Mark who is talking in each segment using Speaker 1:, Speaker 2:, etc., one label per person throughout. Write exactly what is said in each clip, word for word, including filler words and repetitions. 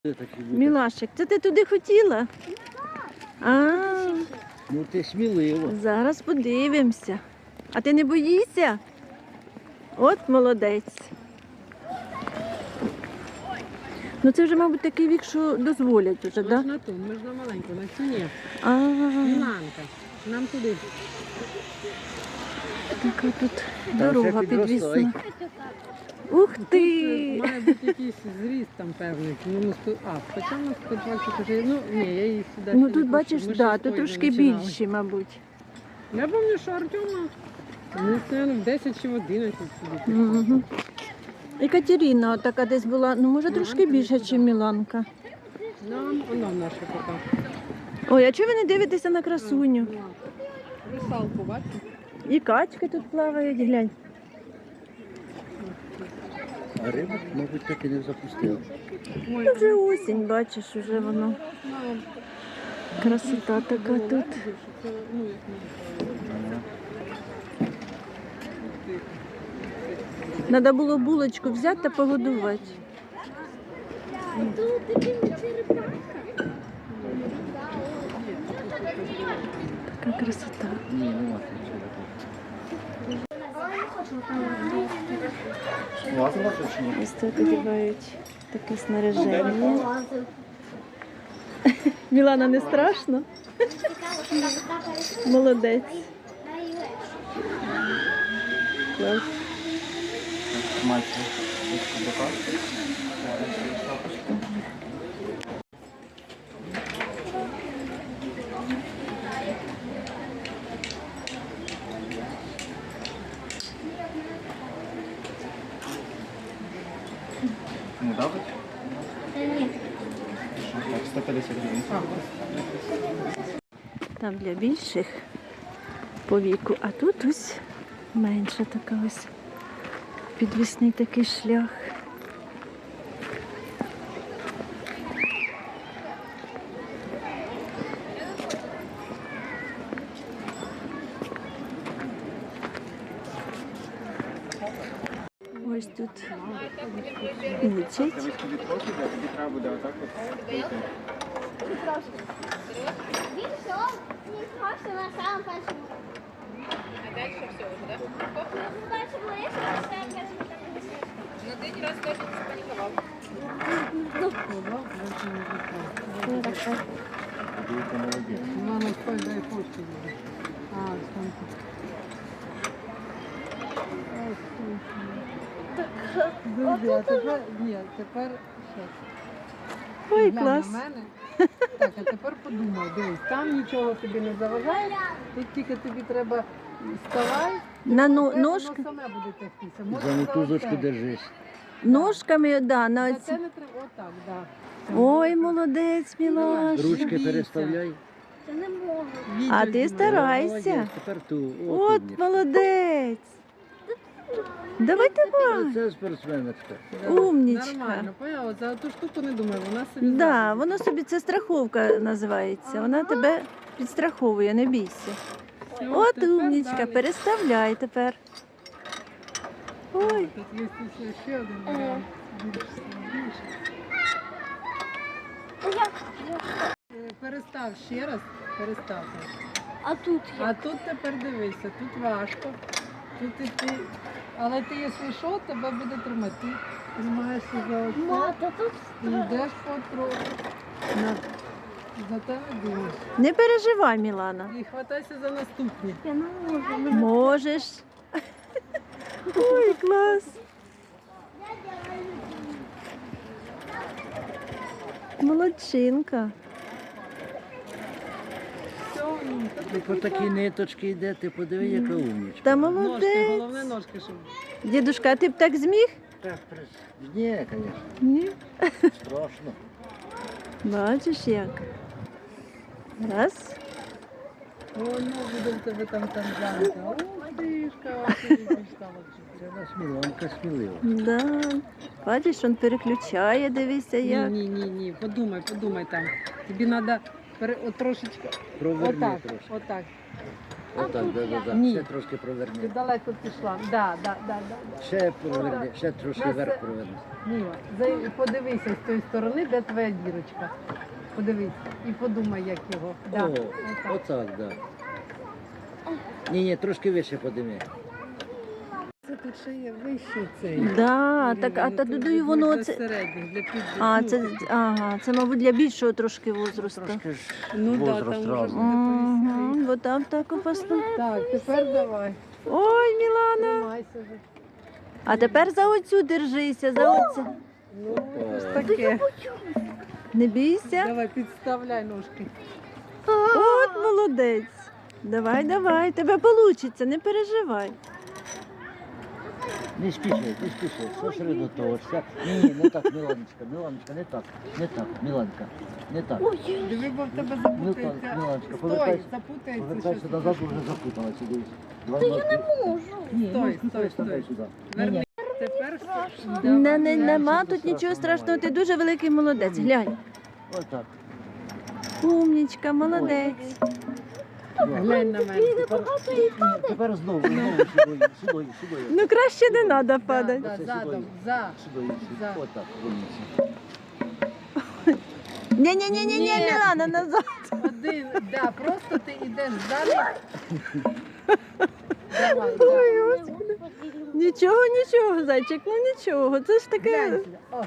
Speaker 1: Мілашик, це ти туди хотіла? А,
Speaker 2: Ну ти сміливо.
Speaker 1: зараз подивимося. А ти не боїшся? От молодець. Ну це вже, мабуть, такий вік, що дозволять уже, так?
Speaker 3: Да? На ту, ми ж на маленьку, на цю ні.
Speaker 1: А,
Speaker 3: Міланка, нам туди.
Speaker 1: така тут
Speaker 2: Там
Speaker 1: дорога
Speaker 2: ще підростай.
Speaker 1: підвісна. Ух
Speaker 3: Тут
Speaker 1: ти!
Speaker 3: має бути якийсь зріст там певний. Ну, ми сто... А, хоча у нас сто двадцять вже, ну ні, я її сюди
Speaker 1: Ну
Speaker 3: ще
Speaker 1: тут
Speaker 3: не
Speaker 1: бачиш,
Speaker 3: пущу. Ми
Speaker 1: да,
Speaker 3: ще
Speaker 1: тут
Speaker 3: з
Speaker 1: трошки
Speaker 3: тої починали.
Speaker 1: більші, мабуть.
Speaker 3: Я пам'ятаю, що Артема, ну, наверное, в десять чи в одинадцять сидить.
Speaker 1: Угу. І Катерина така десь була, ну може трошки
Speaker 3: Міланка
Speaker 1: більше,
Speaker 3: десь
Speaker 1: ніж
Speaker 3: туди.
Speaker 1: Міланка.
Speaker 3: Нам, вона наша така.
Speaker 1: Ой, а чого ви не дивитеся на красуню?
Speaker 3: Русалку, бачите?
Speaker 1: І качки тут плавають, глянь.
Speaker 2: А риба, мабуть, так і не запустила.
Speaker 3: Ой,
Speaker 1: Ну, вже осінь, бачиш, вже воно.
Speaker 3: ну,
Speaker 1: Красота така
Speaker 3: було
Speaker 1: тут.
Speaker 3: легше, що це, ну, як ми
Speaker 1: Треба було булочку взяти та погодувати. Така красота.
Speaker 2: Ні, нема нічого. Лазила тут чи ні?
Speaker 1: Ось тут одягають таке снаряження. Мілана, не страшно? Молодець. Клас.
Speaker 2: Мальчик. Не давить?
Speaker 4: Ні.
Speaker 2: Так, сто п'ятдесят гривень.
Speaker 1: Там для більших по віку, а тут ось менша така ось підвісний такий шлях. Ось тут учать.
Speaker 2: Тобі трохи, тобі треба буде отак от.
Speaker 4: Він все, не сховався на самому першому.
Speaker 5: А дальше все уже, да?
Speaker 4: Ну, перше було я, що я першому там не висів.
Speaker 5: Но ты ни разу даже не запаниковал.
Speaker 2: Ти молодець.
Speaker 3: Вона на той дай почту буде. А, там. Друзі, а тепер, ні, тепер, що?
Speaker 1: Ой,
Speaker 3: Глянь
Speaker 1: клас.
Speaker 3: на мене. Так, а тепер подумай, дивись, там нічого тобі не заважає, тут тільки тобі треба вставай,
Speaker 1: На но-
Speaker 3: воно
Speaker 1: ножки,
Speaker 3: саме буде тягтися. Може,
Speaker 2: За мотузочку
Speaker 3: за оце.
Speaker 2: держись.
Speaker 1: ножками, да, на
Speaker 3: За
Speaker 1: оці.
Speaker 3: це не треба, отак, да.
Speaker 1: Ой, молодець, Мілаш.
Speaker 2: Ручки
Speaker 3: Дивіться.
Speaker 2: переставляй.
Speaker 4: Це не можу.
Speaker 3: Відео
Speaker 1: А ти
Speaker 3: знімай.
Speaker 1: старайся.
Speaker 2: Молодець, тепер ту.
Speaker 1: От
Speaker 2: умнічка.
Speaker 1: молодець. Давай, давай.
Speaker 2: Це спортсменочка.
Speaker 3: Да,
Speaker 1: Умнічка.
Speaker 3: Нормально, поняла, за ту штуку не думай, вона собі
Speaker 1: Да,
Speaker 3: зробить.
Speaker 1: воно собі, це страховка називається. Вона тебе підстраховує, не бійся.
Speaker 3: Все,
Speaker 1: От
Speaker 3: тепер
Speaker 1: умнічка,
Speaker 3: далі.
Speaker 1: переставляй тепер. Ой,
Speaker 3: Тут є ще- ще один варіант. Більш сильніший. Е, Перестав ще раз, перестав.
Speaker 4: А тут
Speaker 3: А
Speaker 4: я.
Speaker 3: тут тепер дивися, тут важко. Тут і ти. Але ти, якщо що, тебе буде тримати. Ти тримаєшся за оце
Speaker 4: Ма, та тут
Speaker 3: і йдеш потроху. На. За те не думаєш.
Speaker 1: не переживай, Мілана.
Speaker 3: І хватайся за наступні.
Speaker 4: я не можу.
Speaker 1: Можеш. Ой, клас. Молодчинка.
Speaker 3: Все, ну,
Speaker 2: Ти по такій ниточці йде, ти подиви, яка умнічка.
Speaker 1: Та
Speaker 3: ножки,
Speaker 1: молодець.
Speaker 3: головне ножки, щоб.
Speaker 1: Дідушка, а ти б так зміг?
Speaker 2: Так, ні, звісно,
Speaker 1: Ні.
Speaker 2: страшно.
Speaker 1: Бачиш як. Раз.
Speaker 3: О, ну буде в тебе там танзанка. О, тишка, тишка.
Speaker 2: Це нас Міланка смілива.
Speaker 1: Да. Бачиш, він переключає, дивися
Speaker 3: Ні,
Speaker 1: як.
Speaker 3: ні, ні, ні, подумай, подумай там. Тобі треба пере... от трошечки.
Speaker 2: Проверни
Speaker 3: Отак,
Speaker 2: трошки.
Speaker 3: отак.
Speaker 2: Отак, да, да, да.
Speaker 3: Ні.
Speaker 2: Ще трошки
Speaker 3: Ти
Speaker 2: проверни.
Speaker 3: далеко пішла. Да, да, да, да, да.
Speaker 2: Ще проверни, ще трошки
Speaker 3: Нас-
Speaker 2: вверх проверни.
Speaker 3: Міла, за- подивися з тої сторони, де твоя дірочка. Подивись і подумай, як його. Да.
Speaker 2: О,
Speaker 3: Отак.
Speaker 2: отак, да. Ні, ні, трошки вище подими.
Speaker 3: Це тут ще є вище цей.
Speaker 1: Да, так, а та додаю воно
Speaker 3: для
Speaker 1: це.
Speaker 3: середніх, для під...
Speaker 1: А,
Speaker 3: ну,
Speaker 1: це, ага, це, мабуть, для більшого трошки возрасту.
Speaker 2: Трошки ж
Speaker 3: Ну да,
Speaker 2: возраст
Speaker 3: там вже
Speaker 2: разний.
Speaker 3: буде
Speaker 1: Угу, вот так, так опасно.
Speaker 3: Так, тепер давай.
Speaker 1: Ой, Мілана.
Speaker 3: Тримайся вже.
Speaker 1: А тепер за оцю держися, за оцю.
Speaker 3: Ну, ось таке.
Speaker 1: Не бійся.
Speaker 3: Давай, підставляй ножки.
Speaker 1: От молодець. Давай, давай, тебе вийде, не переживай.
Speaker 2: Не спіши, не спіши, сосредоточся. Ні, ні, не так, Міланочка, Міланочка, не так, не так, Міланка, не так.
Speaker 3: Диви, бо в тебе
Speaker 2: Ну так,
Speaker 3: запутається.
Speaker 2: Міланочка,
Speaker 3: Стой,
Speaker 2: повертайся,
Speaker 3: запутається.
Speaker 2: повертайся
Speaker 3: щось.
Speaker 2: назад, вже запуталася, дивись. Та я не можу. Ні,
Speaker 3: Стой,
Speaker 2: ножку
Speaker 3: стой,
Speaker 2: переставляй
Speaker 3: стой.
Speaker 2: сюди. Ні,
Speaker 3: Верни.
Speaker 2: ні,
Speaker 3: Тепер
Speaker 1: Не, не,
Speaker 3: Давай.
Speaker 1: нема тут нічого страшного, ти дуже великий молодець. Глянь.
Speaker 2: отак.
Speaker 1: Умнічка, молодець.
Speaker 3: Глянь на мене.
Speaker 2: Тепер, тепер знову, знову сюди, сюди, сюди.
Speaker 1: Ну краще не треба
Speaker 3: Да,
Speaker 1: падати.
Speaker 3: да,
Speaker 2: Оце
Speaker 3: задом,
Speaker 2: сюди.
Speaker 3: за.
Speaker 2: Сюди, сюди,
Speaker 3: За.
Speaker 2: отак, вниз.
Speaker 1: Ні-ні-ні,
Speaker 3: Ні.
Speaker 1: Мілана, назад.
Speaker 3: Один, да, просто ти йдеш далі. Давай,
Speaker 1: Ой,
Speaker 3: да.
Speaker 1: Господи. Нічого, нічого, зайчик, ну нічого. Це ж таке.
Speaker 3: Глянь. О,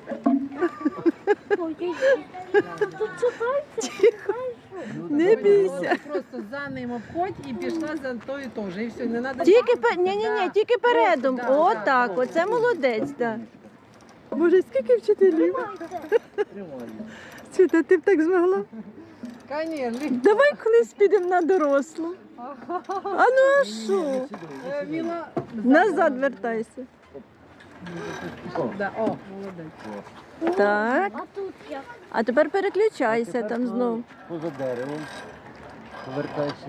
Speaker 2: Ну,
Speaker 1: Не
Speaker 2: так,
Speaker 1: бійся.
Speaker 3: Ти просто за ним обходь і пішла за тою теж. І все, не треба.
Speaker 1: Тільки пе... ні, ні, ні, тільки передом.
Speaker 3: Да,
Speaker 1: О,
Speaker 3: да,
Speaker 1: так,
Speaker 3: да.
Speaker 1: оце молодець, так. Боже, скільки вчителів?
Speaker 2: Тримай.
Speaker 1: Світа, ти б так змогла?
Speaker 3: Конечно.
Speaker 1: Давай колись підемо на дорослу. А ну а що?
Speaker 3: Е, Міла,
Speaker 1: Назад вертайся.
Speaker 2: О,
Speaker 3: Да, о, молодець.
Speaker 1: Так.
Speaker 4: А тут як?
Speaker 1: А тепер переключайся
Speaker 2: тепер
Speaker 1: там
Speaker 2: по-
Speaker 1: знов.
Speaker 2: Поза деревом. Повертайся.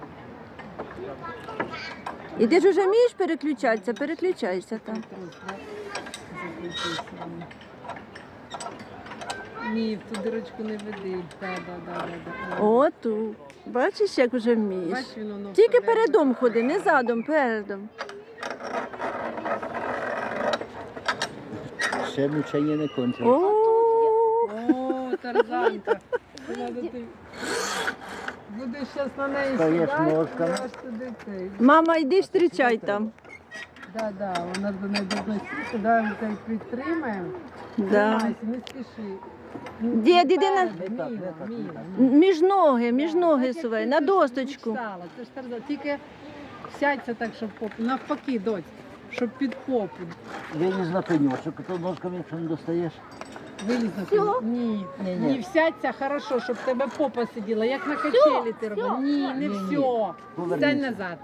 Speaker 1: І ти ж вже вмієш переключатися, переключайся там.
Speaker 3: Ні, в ту дирочку не веди. Да, да, да, да, да.
Speaker 1: О, ту. Бачиш, як вже вмієш.
Speaker 3: Бач, він воно
Speaker 1: Тільки
Speaker 3: вставляє.
Speaker 1: передом ходи, не задом, передом.
Speaker 2: Ще мучення не кончилось.
Speaker 1: О,
Speaker 3: О, тарзанка. Надо ти... Будеш зараз на неї
Speaker 2: Стаєш
Speaker 3: сідати,
Speaker 2: ножками.
Speaker 3: аж туди цей.
Speaker 1: мама, йди зустрічай там.
Speaker 3: Да, да, вона ж до неї должна сісти, да, ми тебе підтримаємо.
Speaker 1: Да.
Speaker 3: Тримайся, не спіши.
Speaker 1: Дід, іди на-
Speaker 3: Міла,
Speaker 2: Не так, не так, не
Speaker 3: Міла,
Speaker 2: так.
Speaker 3: Міла.
Speaker 1: Між ноги, між
Speaker 3: Так,
Speaker 1: ноги
Speaker 3: так, як
Speaker 1: сувай,
Speaker 3: ти
Speaker 1: на
Speaker 3: ж
Speaker 1: досточку.
Speaker 3: мечтала, Це ж тарзан. Тільки сядься так, щоб попу. Навпаки, доць, щоб під попу.
Speaker 2: Виліз на пеньочок, то ножками, якщо не достаєш.
Speaker 3: Виліз на пеньок. Ні,
Speaker 2: Ні,
Speaker 3: ні,
Speaker 2: ні.
Speaker 3: всядься хорошо, щоб тебе попа сиділа, як на качелі ти робила. Ні, не
Speaker 2: Ні, ні.
Speaker 3: все.
Speaker 2: Повернися.
Speaker 3: Стань назад.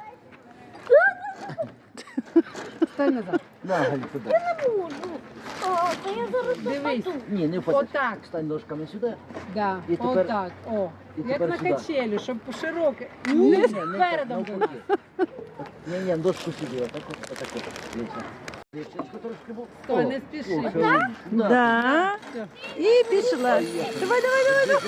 Speaker 3: Стань назад.
Speaker 2: На, Галь, туди.
Speaker 4: О, то я зараз
Speaker 3: Дивись.
Speaker 4: попаду.
Speaker 2: Ні, не впадеш.
Speaker 3: Отак.
Speaker 2: Стань ножками сюди.
Speaker 3: Да.
Speaker 2: І тепер-
Speaker 3: Отак. О.
Speaker 2: і
Speaker 3: Як
Speaker 2: тепер
Speaker 3: на
Speaker 2: сюди.
Speaker 3: качелі, щоб широке.
Speaker 2: Ні,
Speaker 3: Ні,
Speaker 2: ні, не так,
Speaker 3: передом до нас.
Speaker 2: навпаки. Ні, ні, дошку сюди, отак, от, отак, от. Дивися. Лівчичко трошки був.
Speaker 3: Стой,
Speaker 2: О,
Speaker 3: не спіши.
Speaker 2: о, все, видиш. Да.
Speaker 1: Да.
Speaker 3: Все.
Speaker 1: І пішла. Давай, давай, давай, давай.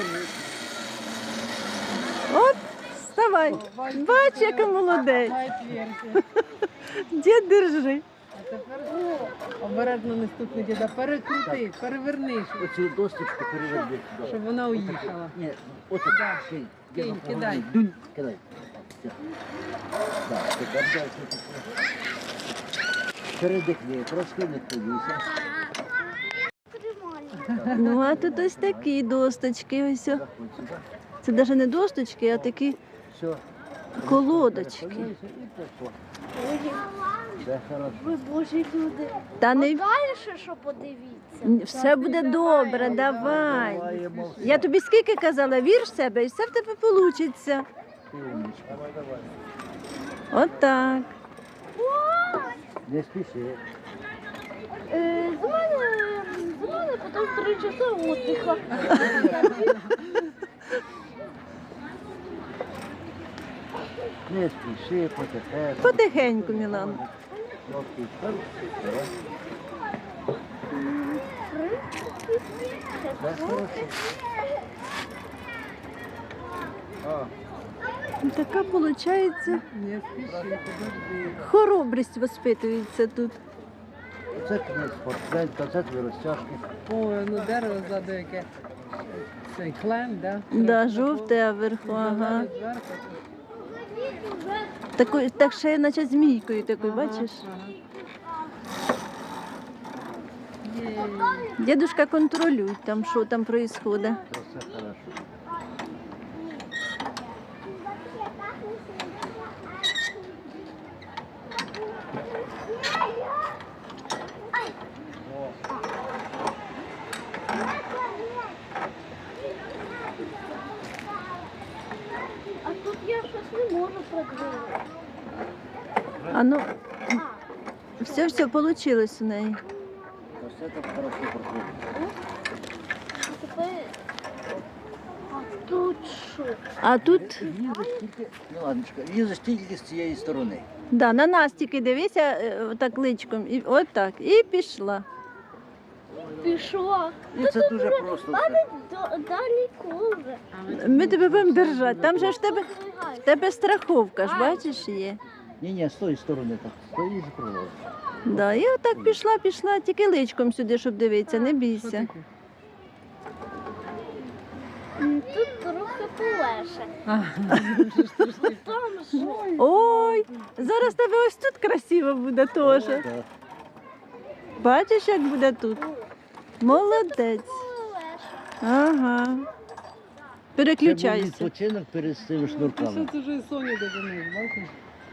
Speaker 1: От, вставай. Бач, яка молодець.
Speaker 3: Давай отверся.
Speaker 1: Дід, держи.
Speaker 3: А тепер обережно не стукни діда. Перекрути, переверни, щоб-
Speaker 2: Оцю досточку переверни сюди.
Speaker 3: щоб вона уїхала.
Speaker 2: Ні, от
Speaker 3: Да.
Speaker 2: так, кинь.
Speaker 3: Кинь,
Speaker 2: Діду,
Speaker 3: кидай.
Speaker 2: поверни. Дунь, кидай. Все. Так, тепер дальше. Передихни, трошки не хвилюйся.
Speaker 4: Тримай.
Speaker 1: Ну, а тут ось такі досточки. Ось. о.
Speaker 2: Заходь сюди.
Speaker 1: Це навіть не досточки, а такі
Speaker 2: Все.
Speaker 1: колодочки.
Speaker 2: Перехвилюйся і пішло. Все хорошо.
Speaker 4: Ви божі люди.
Speaker 1: Та не
Speaker 4: Далі що подивіться.
Speaker 1: все буде добре, давай.
Speaker 2: Даваємо все.
Speaker 1: Я тобі скільки казала, вір в себе і все в тебе вийде.
Speaker 2: Ти умничка.
Speaker 1: Отак.
Speaker 2: Не спіши.
Speaker 4: Е, з мене, з мене потім три часи отдиха.
Speaker 2: Не спіши, потихеньку.
Speaker 1: Потихеньку, Мілана.
Speaker 2: Окей, так, давай. Так, хорошо. А,
Speaker 1: Така виходить
Speaker 3: Не спіши, подожди.
Speaker 1: хоробрість воспитується тут.
Speaker 2: Це кінець спортсменка, це твої розтяжки.
Speaker 3: Ой, ну дерево ззаду яке. Цей клен, да?
Speaker 1: Да, жовте, а вверху, ага. Такою, так ще наче змійкою такою, бачиш? Дідушка контролює там, що там відбувається.
Speaker 2: Це все хорошо.
Speaker 4: А тут я щось не можу продвинути.
Speaker 1: А ну,
Speaker 4: А,
Speaker 1: все, все вийшло у неї.
Speaker 2: Ось це так хорошо проходить.
Speaker 4: а тепер... А тут що?
Speaker 1: А тут,
Speaker 2: Лізеш тільки, Міланочка, лізеш тільки з цієї сторони.
Speaker 1: да, на нас тільки дивися, е, так личком, і от так, і пішла.
Speaker 4: Пішла.
Speaker 2: І це дуже просто все.
Speaker 4: Д- Далеко вже.
Speaker 1: Ми тебе будемо держати. Там же ж в тебе, в тебе страховка ж, бачиш, є.
Speaker 2: Ні, ні, з тої сторони так. Стоїш і проводиш.
Speaker 1: Да, і отак пішла, пішла, тільки личком сюди, щоб дивитися, не бійся.
Speaker 4: М, Тут трохи полегше. Там що?
Speaker 1: Ой, зараз тебе ось тут красиво буде теж.
Speaker 2: Так.
Speaker 1: Бачиш, як буде тут? Молодець.
Speaker 4: Полегше.
Speaker 1: Ага.
Speaker 2: Це був
Speaker 1: Переключайся.
Speaker 2: відпочинок перед цими
Speaker 3: Що
Speaker 2: шнурками.
Speaker 3: це вже і Соня додумає, бачиш?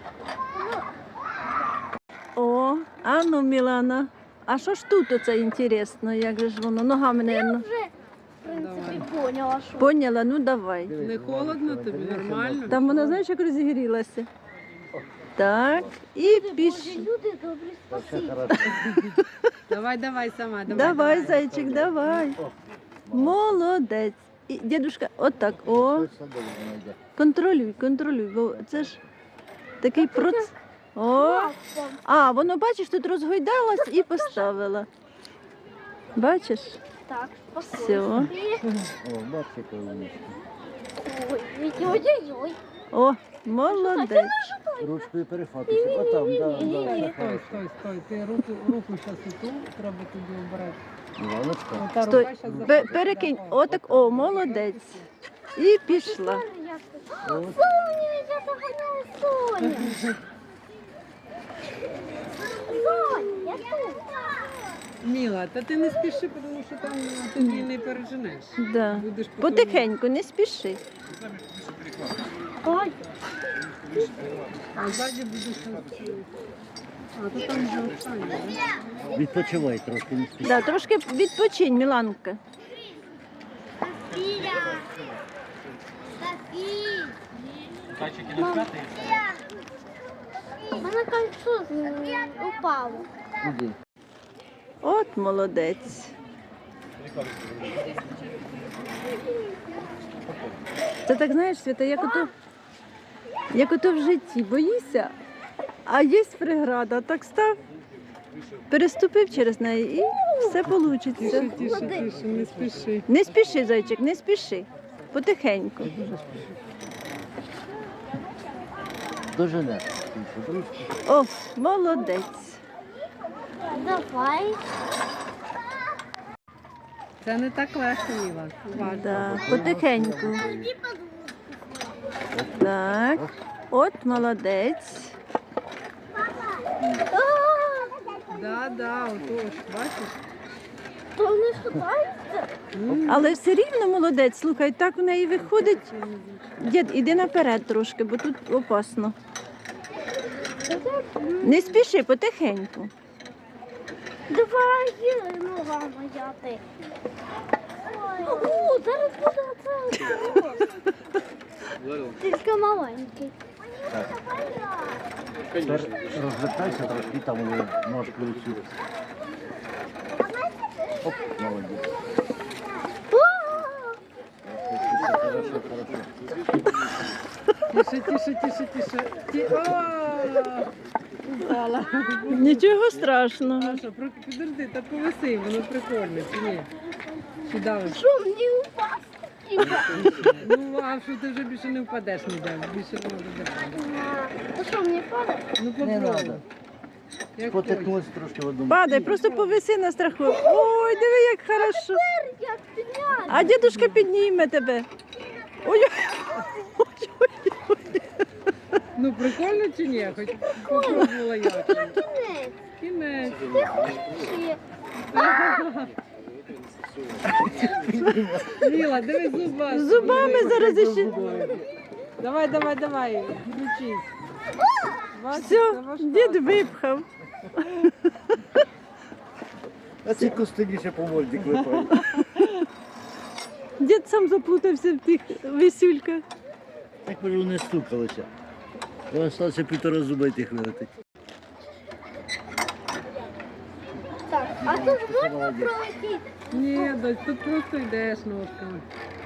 Speaker 1: О, а ну, Мілана. А що ж тут оце інтересно, як же ж воно? Ногами, мабуть.
Speaker 4: Вже, в принципі, поняла, що.
Speaker 1: Поняла, ну давай.
Speaker 2: Дивись,
Speaker 3: Не холодно тобі,
Speaker 2: дивись,
Speaker 3: нормально?
Speaker 1: Там вона, знаєш, як розігрілася. Так, і
Speaker 4: Боже,
Speaker 1: піш.
Speaker 4: люди добрі,
Speaker 2: Це все
Speaker 4: спасибі.
Speaker 2: хорошо.
Speaker 3: Давай, давай сама, давай.
Speaker 1: Давай, зайчик, давай.
Speaker 2: О,
Speaker 1: Молодець. І, дідушка, отак, о,
Speaker 2: ось це добре знайде.
Speaker 1: контролюй, контролюй, бо це ж такий процес. О,
Speaker 4: Папа.
Speaker 1: а, воно, бачиш, тут розгойдалась і поставила. Бачиш?
Speaker 4: Так,
Speaker 1: Всё.
Speaker 4: спокійно.
Speaker 2: О, бачите, коли вмісті.
Speaker 4: Ой, ой-ой-ой.
Speaker 1: О, молодець.
Speaker 2: Ручкою перехватуйся. Отам, да, да,
Speaker 3: Стой,
Speaker 2: так.
Speaker 3: стой, стой. Ти руку, руку зараз і ту треба тобі обрати.
Speaker 2: Міланочка.
Speaker 3: Ота
Speaker 1: Стой,
Speaker 3: рука щас
Speaker 1: Пе-
Speaker 3: заходить.
Speaker 1: перекинь, отак, о, молодець. І пішла.
Speaker 2: От.
Speaker 4: Соня, я доганяю Соню. Сонь, я тут.
Speaker 3: Міла, та ти не спіши, тому що там ти її не переженеш.
Speaker 1: Да.
Speaker 3: Будеш потім-
Speaker 1: Потихеньку, не спіши.
Speaker 4: Ой,
Speaker 3: А ззаді будеш... А, то там вже останнє, да?
Speaker 2: Відпочивай трошки, не спіши.
Speaker 1: Да, трошки відпочинь, Міланка.
Speaker 4: Софія. Софія. У мене кольцо з- упало.
Speaker 2: Іди.
Speaker 1: От молодець. Це так, знаєш, Свята, як ото, як ото в житті. Боїшся, а є преграда. Так став, переступив через неї і все вийде.
Speaker 3: Тише, тише, тише, не спіши.
Speaker 1: Не спіши, зайчик, не спіши. Потихеньку.
Speaker 2: Дожене. Тише, ручки.
Speaker 1: О, молодець.
Speaker 4: Давай.
Speaker 3: Це не так легко, Міла. Уважно.
Speaker 1: Да, потихеньку. Так. От молодець.
Speaker 3: Да, да, отож, бачиш?
Speaker 4: То не шукається?
Speaker 1: Але все рівно молодець. Слухай, так в неї виходить. Дід, іди наперед трошки, бо тут опасно. Не спіши, потихеньку.
Speaker 4: Давай, нога моя ти. О, зараз буде це. Тільки маленький.
Speaker 2: Тепер розвертайся трошки, там вони ножки усі. Оп, молодець. Хорошо, хорошо.
Speaker 3: Тише, тише, тише, тише. Ті... О, упала.
Speaker 1: Нічого страшного.
Speaker 3: Маша, про- підожди, та повиси, воно прикольне, чи ні? Чи давиш?
Speaker 4: Що мені упасти? типа.
Speaker 3: Ну, а що ти вже більше не впадеш ніде, більше не буде держати.
Speaker 4: Ну що, мені падає?
Speaker 3: Ну,
Speaker 2: Не
Speaker 3: попробуй.
Speaker 2: треба.
Speaker 3: Як хочеш.
Speaker 2: Потекнусь трошки в одному.
Speaker 1: Падай, просто повиси на страху. Ой, диви, як хорошо.
Speaker 4: Як підняти?
Speaker 1: А дідушка підніме тебе. Ой,
Speaker 3: Ну, прикольно чи ні? Хоч попробувала як.
Speaker 4: Кінець.
Speaker 3: Кінець.
Speaker 4: Ти хочеш ще?
Speaker 3: Міла, дивись зуба.
Speaker 1: зубами зараз іще.
Speaker 3: Давай, давай, давай, включись. Бачиш,
Speaker 1: Все,
Speaker 3: це важка.
Speaker 1: дід випхав.
Speaker 2: А ці костині ще по морді клепають.
Speaker 1: Дід сам заплутався в тих висюльках.
Speaker 2: Так кажу, не стукалося. Я осталося півтора зуба тих вилетить.
Speaker 4: Так, а тут можна пролетіти?
Speaker 3: Ні, дось, тут просто йдеш ножками.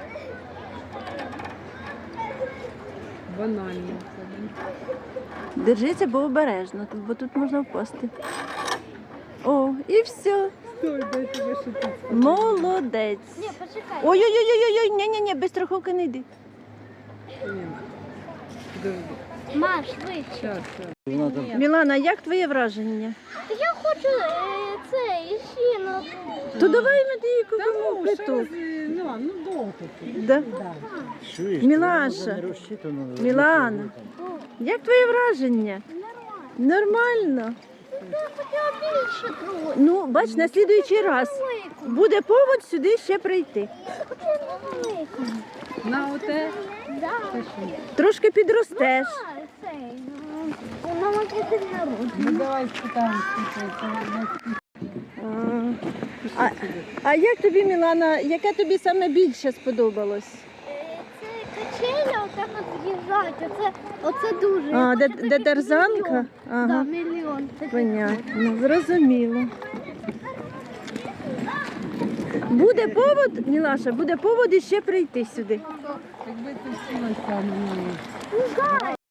Speaker 3: Банально.
Speaker 1: Держися, бо обережно, тут- бо тут можна впасти. О, і все.
Speaker 3: Стой, дай тебе ще тут.
Speaker 1: Молодець.
Speaker 4: Ні, почекай.
Speaker 1: Ой-ой-ой, ні-ні-ні, без страховки не йди.
Speaker 3: Ні. Подожди.
Speaker 4: Маш, швидше.
Speaker 3: Щас, щас.
Speaker 2: Вона там
Speaker 1: Мілана, як твоє враження?
Speaker 4: Та я хочу е, це, іще на...
Speaker 1: То давай ми її
Speaker 3: Та
Speaker 1: купимо
Speaker 3: ну, ще
Speaker 1: плиту.
Speaker 3: раз, е, ну, ну довго тут.
Speaker 1: Да?
Speaker 3: Да.
Speaker 2: чуєш,
Speaker 1: Мілаша.
Speaker 2: вона не розчитана.
Speaker 1: Мілана. Як твоє враження? Нормально.
Speaker 4: Я хотіла більше трохи.
Speaker 1: Ну, бач, на слідуючий раз
Speaker 4: Велику.
Speaker 1: буде повод сюди ще прийти.
Speaker 4: Я хотіла велику.
Speaker 3: На оте.
Speaker 4: Да.
Speaker 3: Та що?
Speaker 1: Трошки підростеш.
Speaker 4: А, цей, ну, у мама день народження.
Speaker 3: Ну давай спитаємо, скільки це.
Speaker 1: А, а як тобі, Мілана, яке тобі саме більше сподобалось?
Speaker 4: Е, Це качеля, отак от з'їжджають. Оце, оце дуже. Я
Speaker 1: А,
Speaker 4: хочу
Speaker 1: де,
Speaker 4: такий
Speaker 1: де тарзанка?
Speaker 4: мільйон.
Speaker 1: Ага,
Speaker 4: Да, мільйон. таких.
Speaker 1: понятно, зрозуміло. Буде повод, Мілаша, буде повод іще прийти сюди.
Speaker 3: Якби ти всілася на неї.